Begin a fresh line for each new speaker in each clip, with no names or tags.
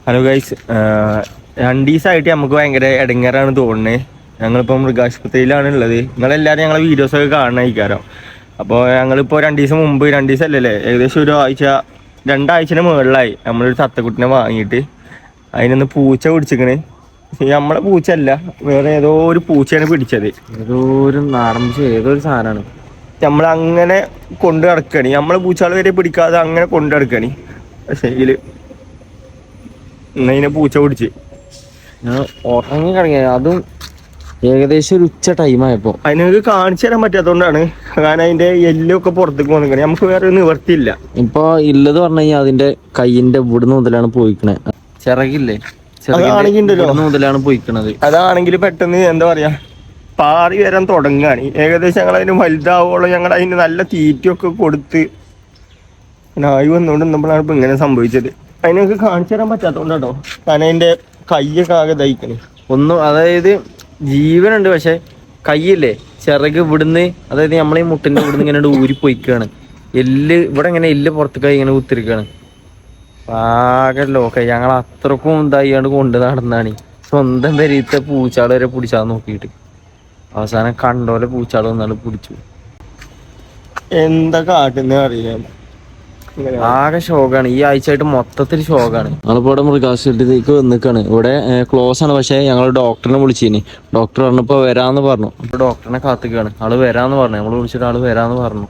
Hello guys, 2 ദിവസമായിട്ട് നമുക്ക് ഭയങ്കര ഇടങ്ങേറാണ് തോന്നുന്നത്. ഞങ്ങളിപ്പോൾ മൃഗാശുപത്രിയിലാണ് ഉള്ളത്. നിങ്ങളെല്ലാവരും ഞങ്ങളെ വീഡിയോസൊക്കെ കാണണമായിരിക്കാരം. അപ്പോൾ ഞങ്ങളിപ്പോൾ 2 ദിവസം മുമ്പ്, 2 ദിവസം അല്ലല്ലേ, ഏകദേശം ഒരു ആഴ്ച 2 ആഴ്ചന് മുകളിലായി നമ്മളൊരു തത്തക്കുട്ടിനെ വാങ്ങിയിട്ട്. അതിനൊന്ന് പൂച്ച പിടിച്ചിക്കണ്. നമ്മളെ പൂച്ച അല്ല, വേറെ ഏതോ ഒരു പൂച്ചയാണ് പിടിച്ചത്.
ഏതോ ഒരു നാടൻ പൂച്ച, ഏതോ ഒരു സാധനമാണ്.
നമ്മളങ്ങനെ കൊണ്ട് നടക്കണി, നമ്മളെ പൂച്ചകൾ വരെ പിടിക്കാതെ അങ്ങനെ കൊണ്ട് നടക്കണി. പക്ഷേ ഇതിനെ പൂച്ച പിടിച്ച്
ഞാൻ ഉറങ്ങി കിടങ്ങിയ, അതും ഏകദേശം ഒരു ഉച്ച ടൈമായപ്പോ.
അതിനൊക്കെ കാണിച്ചു തരാൻ പറ്റാത്തതുകൊണ്ടാണ്. കാരണം അതിന്റെ എല്ലൊക്കെ പുറത്തേക്ക് വന്നിക്കണേ. നമുക്ക് വേറെ നിവർത്തിയില്ല.
ഇപ്പൊ ഇല്ലത് പറഞ്ഞു കഴിഞ്ഞാൽ അതിന്റെ കയ്യിന്റെ ഇവിടുന്ന് മുതലാണ് പോയിക്കണേ. ചിറകില്ലേ, മുതലാണ് പോയിക്കണത്.
അതാണെങ്കിൽ പെട്ടെന്ന് എന്താ പറയാ, പാറി വരാൻ തുടങ്ങുകയാണ്. ഏകദേശം ഞങ്ങൾ അതിന് വലുതാവോളം ഞങ്ങൾ അതിന് നല്ല തീറ്റയൊക്കെ കൊടുത്ത് നായി വന്നുകൊണ്ട് നമ്മളാണ് ഇപ്പൊ ഇങ്ങനെ സംഭവിച്ചത്. അതിനൊക്കെ കാണിച്ചു തരാൻ പറ്റാത്തതുകൊണ്ടാട്ടോ. കാരണം അതിന്റെ കയ്യൊക്കെ ആകെ ദഹിക്കണേ.
ഒന്നും, അതായത് ജീവനുണ്ട്, പക്ഷെ കയ്യില്ലേ, ചിറക് ഇവിടുന്ന്, അതായത് നമ്മളീ മുട്ടിന്റെ ഇവിടുന്ന് ഇങ്ങനെ ഊരി പൊയ്ക്കാണ്. എല്ല് ഇവിടെ ഇങ്ങനെ എല്ല് പുറത്തേക്ക് ഇങ്ങനെ കുത്തിരിക്കാണ്. ആകല്ലോ ഒക്കെ ഞങ്ങൾ അത്രക്കും ഇതായിണ്ട് കൊണ്ട് നടന്നാണ്. സ്വന്തം പെരീത്തെ പൂച്ചാള് വരെ പിടിച്ചാൽ നോക്കിയിട്ട് അവസാനം കണ്ടോലെ പൂച്ചാള് വന്നാണ് പിടിച്ചു.
എന്താ കാട്ടുന്ന അറിയാം.
ആകെ ഷോക്കാണ്. ഈ ആഴ്ചയായിട്ട് മൊത്തത്തിൽ ഷോക്കാണ്. ഞങ്ങളിപ്പോ ഇവിടെ മൃഗാശുപത്രിയിലേക്ക് വന്നിക്കാണ്. ഇവിടെ ക്ലോസ് ആണ്, പക്ഷെ ഞങ്ങൾ ഡോക്ടറിനെ വിളിച്ചിനി. ഡോക്ടർ പറഞ്ഞപ്പോ വരാന്ന് പറഞ്ഞു. ഇപ്പൊ ഡോക്ടറിനെ കാത്തിക്കാണ്. ആള് വരാന്ന് പറഞ്ഞു. നമ്മള് വിളിച്ചിട്ട് ആള് വരാന്ന് പറഞ്ഞു.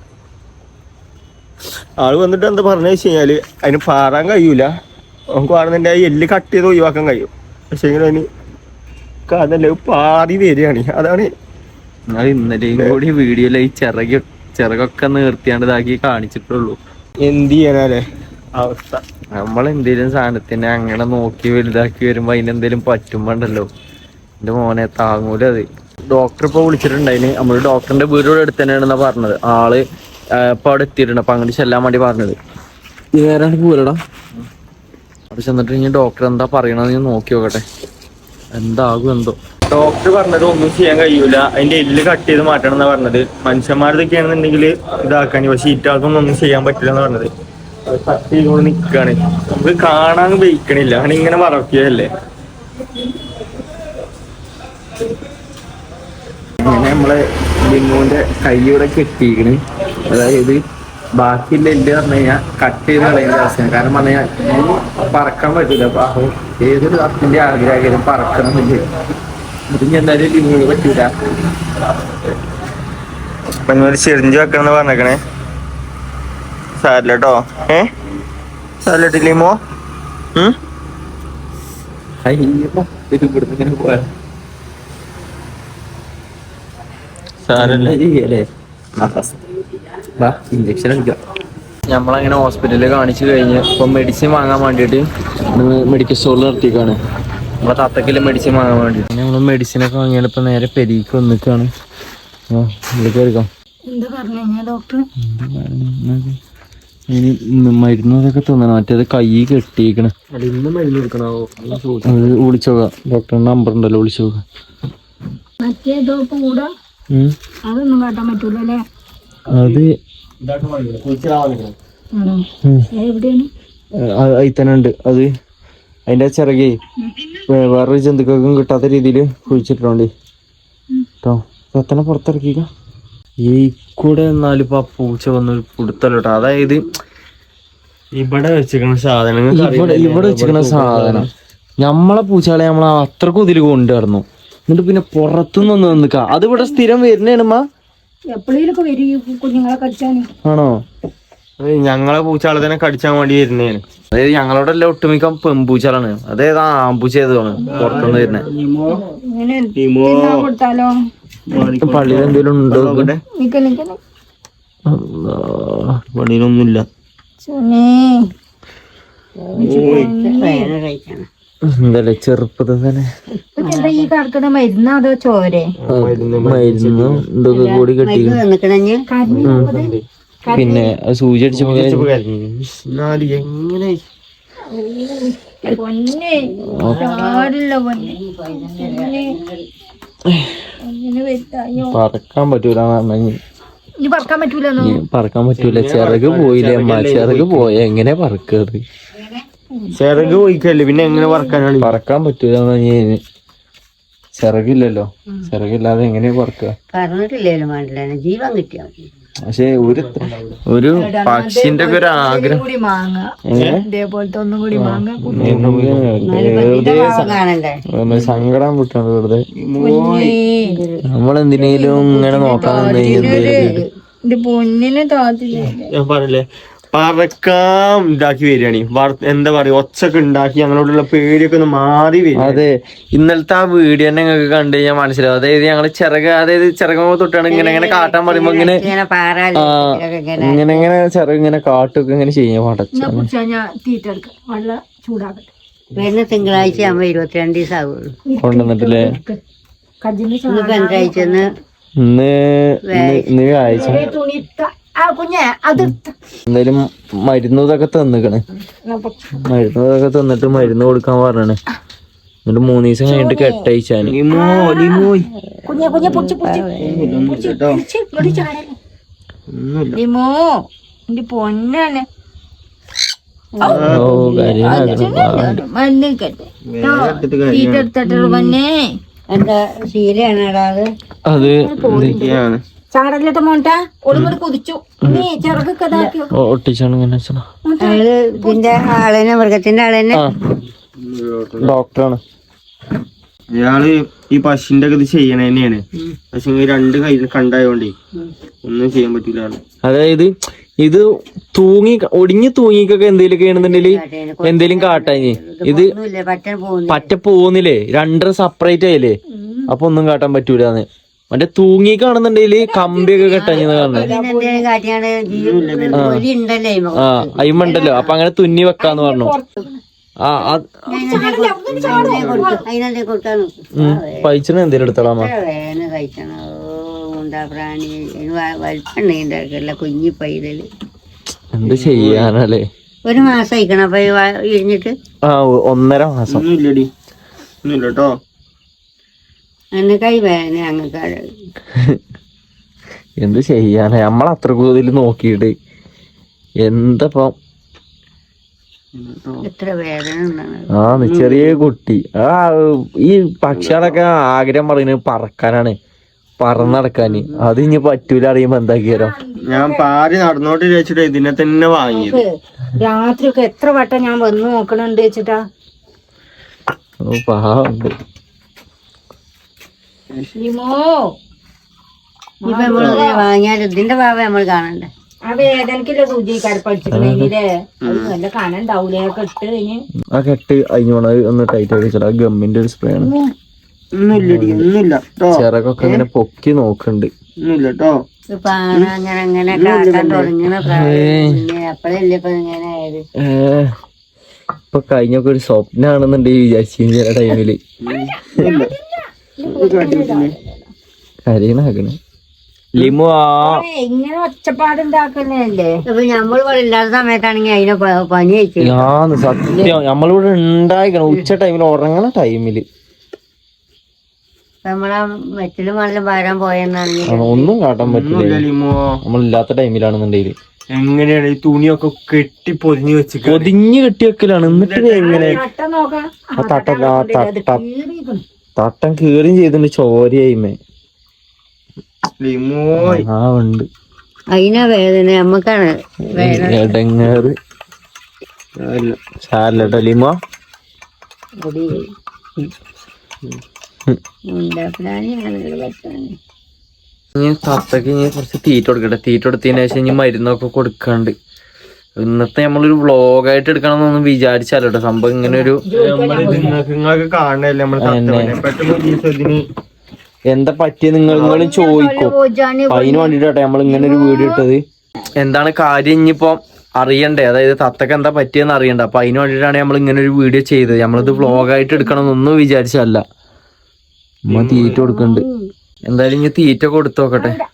ആള് വന്നിട്ട് എന്താ പറഞ്ഞു വെച്ച് കഴിഞ്ഞാല്, അതിന് പാറാൻ കഴിയൂല. നമുക്ക് പറഞ്ഞിട്ട് ആ എല്ല് കട്ട് ചെയ്ത് ഒഴിവാക്കാൻ കഴിയും. പക്ഷെ അതിന് അതല്ല, പാറി വരികയാണ്. അതാണ്
ഞങ്ങൾ ഇന്നലെയും കൂടി വീഡിയോയിൽ ഈ ചിറകൊക്കെ നിർത്തിയാണ്ട് ഇതാക്കി കാണിച്ചിട്ടുള്ളൂ.
എന്ത് ചെയ്യാനല്ലേ അവസ്ഥ.
നമ്മളെന്തേലും സാധനത്തിനെ അങ്ങനെ നോക്കി വലുതാക്കി വരുമ്പോ അതിനെന്തേലും പറ്റുമ്പോണ്ടല്ലോ, എന്റെ മോനെ താങ്ങൂല അത്. ഡോക്ടർ ഇപ്പൊ വിളിച്ചിട്ടുണ്ടായിന്. നമ്മള് ഡോക്ടറിന്റെ വീടിവിടെ അടുത്ത് തന്നെയാണെന്നാ പറഞ്ഞത്. ആള് ഇപ്പൊ അവിടെ എത്തിയിട്ടുണ്ട്. അപ്പൊ അങ്ങോട്ട് ചെല്ലാൻ വേണ്ടി പറഞ്ഞത്. നേരാണ്ട് പോരടാ. അവിടെ ചെന്നിട്ട് ഇനി ഡോക്ടർ എന്താ പറയണെന്ന് ഞാൻ നോക്കി നോക്കട്ടെ, എന്താകും എന്തോ.
ഡോക്ടർ പറഞ്ഞത് ഒന്നും ചെയ്യാൻ കഴിയൂല, അതിന്റെ എല്ല് കട്ട് ചെയ്ത് മാറ്റണം എന്നാ പറഞ്ഞത്. മനുഷ്യന്മാരതൊക്കെയാണെന്നുണ്ടെങ്കിൽ ഇതാക്കാനി, പക്ഷെ ഈറ്റാൾക്കൊന്നും ഒന്നും ചെയ്യാൻ പറ്റില്ല എന്ന് പറഞ്ഞത്. അത് കട്ട് ചെയ്തുകൊണ്ട് നിൽക്കുകയാണ്. നമുക്ക് കാണാൻ വയ്ക്കണില്ല. അങ്ങനെ ഇങ്ങനെ മറക്കുകയല്ലേ.
ഇങ്ങനെ നമ്മളെ ലിംഗുവിന്റെ കൈയോടെ കെട്ടിയിരിക്കണ്. അതായത് ബാക്കിയുള്ള എല്ല് പറഞ്ഞു കഴിഞ്ഞാൽ കട്ട് ചെയ്ത് കളയുന്ന അവസ്ഥയാണ്. കാരണം പറഞ്ഞു കഴിഞ്ഞാൽ പറക്കാൻ പറ്റില്ല. അപ്പൊ ഏതൊരു അത്തിന്റെ ആഗ്രഹം പറക്കണം എന്നില്ല. ഇതിന് എന്തായാലും ലിംഗിന് പറ്റൂല.
ഒരു ചെറിഞ്ച് വെക്കണം പറഞ്ഞേക്കണേ. സാരില്ലട്ടോ. സാരില്ലട്ടില്ലേമോ.
ഇവിടുന്ന് ഇങ്ങനെ പോയാ ഇഞ്ചക്ഷൻ എടുക്കാം. നമ്മളങ്ങനെ ഹോസ്പിറ്റലിൽ കാണിച്ചു കഴിഞ്ഞ് ഇപ്പൊ മെഡിസിൻ വാങ്ങാൻ വേണ്ടിയിട്ട് മെഡിക്കൽ സ്റ്റോറിൽ നിർത്തിക്കാണ്. നമ്മളെ തത്തക്കില്ല മെഡിസിൻ വാങ്ങാൻ വേണ്ടിയിട്ട് നമ്മള് മെഡിസിനൊക്കെ വാങ്ങിയാൽ ഇപ്പൊ നേരെ പെരീക്ക് വന്നിക്കാണ്. എടുക്കാം. ഇനി മരുന്നൊക്കെ തോന്നണം. മറ്റേത് കൈ കെട്ടിയിരിക്കണ. വിളിച്ചോക്കാം. ഡോക്ടറിന്റെ നമ്പർ ഉണ്ടല്ലോ, വിളിച്ചോക്കാം.
അതൊന്നും കാട്ടാൻ പറ്റൂലല്ലേ.
അത് അതിൽ തന്നെ ഉണ്ട്. അത് അതിന്റെ ചിറകെ വേറൊരു ജന്തുക്കൾക്കും കിട്ടാത്ത രീതിയിൽ കുഴിച്ചിട്ടുണ്ട് കേട്ടോ. സത്തനെ പുറത്തിറക്കിക്ക. ഈ കൂടെ എന്നാലും ഇപ്പൊ ആ പൂച്ച വന്ന് കൊടുത്തല്ലോട്ടോ. അതായത്
ഇവിടെ വെച്ചിരിക്കുന്ന സാധനങ്ങൾ,
ഇവിടെ വെച്ചിരിക്കുന്ന സാധനം നമ്മളെ പൂച്ചകളെ നമ്മൾ അത്രക്കും ഇതിൽ കൊണ്ടുവരണം. എന്നിട്ട് പിന്നെ പുറത്തുനിന്ന് നിൽക്ക. അത് ഇവിടെ സ്ഥിരം വരുന്നേണമ്മ. ആണോ?
ഞങ്ങളെ പൂച്ചാളെ തന്നെ കടിച്ചാൻ വേണ്ടി വരുന്നേന്.
അതായത് ഞങ്ങളോടെ എല്ലാം ഒട്ടുമിക്ക പെമ്പൂച്ചാളാണ്. അതായത് ആമ്പൂച്ച ഏതാണ് പുറത്തുനിന്ന് വരുന്നത്. പള്ളിയിൽ എന്തെങ്കിലും ഉണ്ടോ?
പള്ളിയിലൊന്നുമില്ല.
എന്തല്ലേ ചെറുപ്പത്തിൽ തന്നെ
മരുന്ന് അതോ ചോരെ
മരുന്ന് ഇതൊക്കെ കൂടി കെട്ടി. പിന്നെ സൂചി അടിച്ചപ്പോ
എങ്ങനെ
പറക്കാൻ പറ്റൂല.
പറക്കാൻ പറ്റൂല.
ചിറക് പോയില്ലേ അമ്മ, ചിറക് പോയ എങ്ങനെ പറക്കത്.
ചിറക് പോയിക്കല്ലേ പിന്നെ എങ്ങനെ പറക്കാനാണ്?
പറക്കാൻ പറ്റൂല. ചിറകില്ലല്ലോ, ചിറകില്ലാതെ എങ്ങനെയാ പറക്കുക?
പറഞ്ഞിട്ടില്ലേലും വേണ്ടില്ല, ജീവൻ കിട്ടിയാ മതി.
പക്ഷെ ഒരു പക്ഷിന്റെ ഒക്കെ ഒരു ആഗ്രഹം.
ഇതേപോലത്തെ ഒന്നും കൂടി മാങ്ങ
സങ്കടം വിട്ടാണ് വെറുതെ. നമ്മളെന്തിനേലും ഇങ്ങനെ നോക്കാൻ
ഇത് പൊന്നിനെ താത്തില്ലേ.
ഞാൻ പറഞ്ഞില്ലേ പറക്കാം ഇതാക്കി വരികയാണ്. എന്താ പറയാ, ഒച്ചൊക്കെ ഉണ്ടാക്കി ഞങ്ങളോടുള്ള പേടിയൊക്കെ ഒന്ന് മാറി വരും.
അതെ, ഇന്നലത്തെ ആ വീഡിയോ തന്നെ നിങ്ങൾക്ക് കണ്ടു കഴിഞ്ഞാൽ മനസ്സിലാവും. അതായത് ഞങ്ങള് ചിറക് തൊട്ടാണ് ഇങ്ങനെ കാട്ടാൻ പറയുമ്പോ ഇങ്ങനെ ഇങ്ങനെ ചിറക് ഇങ്ങനെ കാട്ടൊക്കെ ഇങ്ങനെ ചെയ്യാൻ
തീറ്റ എടുക്കാം, വെള്ളം ചൂടാക്കട്ടെ. വരുന്ന തിങ്കളാഴ്ച ആകുമ്പോ 22 ദിവസം ആവുള്ളൂ
കൊണ്ടുവന്നിട്ടില്ലേ? ഇന്ന് ആഴ്ച എന്തായാലും മരുന്നതൊക്കെ തന്നിക്കണ്. മരുന്നതൊക്കെ തന്നിട്ട് മരുന്ന് കൊടുക്കാൻ പറഞ്ഞാണ്. എന്നിട്ട് 3 ദിവസം കഴിഞ്ഞിട്ട് കെട്ടയച്ചാന്.
പൊന്നാണ് എന്താ ശീലയാണടാ അത്. ചാടലിട്ട് മോണ്ട ഒളിങ്ങോട്ട് കുതിച്ചു
ഒട്ടിച്ചാണ് ഇങ്ങനെ
ഇതിന്റെ ആളെന്നെ, മൃഗത്തിന്റെ ആളെന്നെ
ഡോക്ടറാണ്.
അയാള് ഈ പശുവിന്റെ ഒക്കെ ഇത് ചെയ്യണ തന്നെയാണ്. പക്ഷെ 2 കൈ കണ്ടായോണ്ടേ ഒന്നും ചെയ്യാൻ പറ്റൂല.
അതായത് ഇത് ഒടിഞ്ഞു തൂങ്ങിക്കൊക്കെ എന്തേലും ആണെന്നുണ്ടെങ്കിൽ എന്തേലും കാട്ടാഞ്ഞ് ഇത് പറ്റ പോകുന്നില്ലേ, 2 സെപ്പറേറ്റ് ആയില്ലേ, അപ്പൊ ഒന്നും കാട്ടാൻ പറ്റൂലെന്ന്. മറ്റേ തൂങ്ങിക്കാണെന്നുണ്ടെങ്കില് കമ്പിയൊക്കെ കെട്ടഞ്ഞെന്ന് പറഞ്ഞു. അയിമുണ്ടല്ലോ, അപ്പൊ അങ്ങനെ തുന്നി വെക്കാന്ന് പറഞ്ഞു. പൈച്ചന് എന്തേലും എടുത്തോളാമോ?
കുഞ്ഞി പൈതല്
എന്ത് ചെയ്യാനല്ലേ.
1 മാസം ആയിക്കണം അപ്പൊ ഇഴിഞ്ഞിട്ട്.
1.5 മാസം.
കേട്ടോ
കൈ വേദന അങ്ങക്കാട്.
എന്ത് ചെയ്യാനാ, നമ്മളത്ര കൂടുതൽ നോക്കിയിട്ട് എന്തപ്പം.
എത്ര വേദന.
ചെറിയ കുട്ടി. ഈ പക്ഷികളൊക്കെ ആഗ്രഹം പറയുന്നത് പറക്കാനാണ്, പറന്നടക്കാന്. അത് ഇനി പറ്റൂല അറിയുമ്പോ എന്താക്കിയാലോ.
ഞാൻ പാരി നടന്നോട്ട് വെച്ചിട്ട് ഇതിനെ തന്നെ വാങ്ങിയത്.
രാത്രി ഒക്കെ എത്ര വട്ടം ഞാൻ വന്ന് നോക്കണുണ്ട് വെച്ചിട്ടാ.
പാവുണ്ട്.
വാങ്ങിയാൽ ഇതിന്റെ ഭാവം നമ്മൾ കാണണ്ടേ. ആ വേദനക്കുള്ള സൂചി കടപ്പടിച്ചിട്ടുണ്ടെങ്കിലേ നല്ല കനുണ്ടാവൂലേ ഇട്ട് കഴിഞ്ഞ്.
ആ കെട്ട് അഞ്ഞോണ ഒന്ന് ടൈറ്റ് ആക്കി വെച്ചാൽ ഗമ്മിന്റെ ഒരു സ്പ്രേ ആണ്. ചിറകൊക്കെ ഇങ്ങനെ പൊക്കി നോക്കണ്ട്.
അങ്ങനെ അങ്ങനെ കാട്ടാൻ തുടങ്ങണ അപ്പഴല്ലേ ഇപ്പൊ ഇങ്ങനെ ആയത്.
ഇപ്പൊ കഴിഞ്ഞൊക്കെ ഒരു സ്വപ്നാണെന്നുണ്ടെങ്കിൽ വിചാരിച്ചു ചില ടൈമില്. കരീനാക്കണ് ലിമു.
ഇങ്ങനെ ഒച്ചപ്പാടുണ്ടാക്കുന്നല്ലേ. അപ്പൊ നമ്മളിവിടെ ഇല്ലാത്ത സമയത്താണെങ്കിൽ അതിനെ പനി വെച്ചു.
സത്യം നമ്മളിവിടെ ഉണ്ടായിക്കണം ഉച്ച ടൈമിൽ, ഉറങ്ങണ ടൈമില്.
നമ്മളാ വെറ്റില് മണ്ണിലും വരാൻ പോയെന്നാണെങ്കിൽ
ഒന്നും കാട്ടാൻ പറ്റില്ല. നമ്മളില്ലാത്ത ടൈമിലാണെന്നുണ്ടെങ്കിൽ
എങ്ങനെയാണ് ഈ തുണിയൊക്കെ കെട്ടി പൊതിഞ്ഞു വെച്ച്
പൊതിഞ്ഞ് കെട്ടി വെക്കലാണ്. എന്നിട്ട് എങ്ങനെ തട്ടം കീറിയും ചെയ്തിട്ടുണ്ട്, ചോരയായിമേ. ഉണ്ട്
അതിനാ വേദന, നമ്മക്കാണ്
എടങ്ങേറ്. സാരല്ലോ ലിമോ. തത്തക്ക് ഇനി കുറച്ച് തീറ്റ കൊടുക്കട്ടെ. തീറ്റ കൊടുത്തതിന് ശേഷം ഇനി മരുന്നൊക്കെ കൊടുക്കാണ്ട്. ഇന്നത്തെ നമ്മളൊരു വ്ളോഗായിട്ട് എടുക്കണം എന്നൊന്നും വിചാരിച്ചാലോ സംഭവം. ഇങ്ങനെ ഒരു എന്താ പറ്റിയ നിങ്ങളും ചോദിക്കും. അതിന് വേണ്ടിട്ടാട്ടെ നമ്മൾ ഇങ്ങനെ ഒരു വീഡിയോ ഇട്ടത്. എന്താണ് കാര്യം ഇനിയിപ്പോ അറിയണ്ടേ, അതായത് തത്തക്ക് എന്താ പറ്റിയെന്ന് അറിയണ്ട. അപ്പൊ അതിന് വേണ്ടിയിട്ടാണ് നമ്മൾ ഇങ്ങനെ ഒരു വീഡിയോ ചെയ്തത്. നമ്മളിത് വ്ളോഗായിട്ട് എടുക്കണം എന്നൊന്നും വിചാരിച്ചല്ല. തീറ്റ കൊടുക്കണ്ട്. എന്തായാലും ഇനി തീറ്റ കൊടുത്തു നോക്കട്ടെ.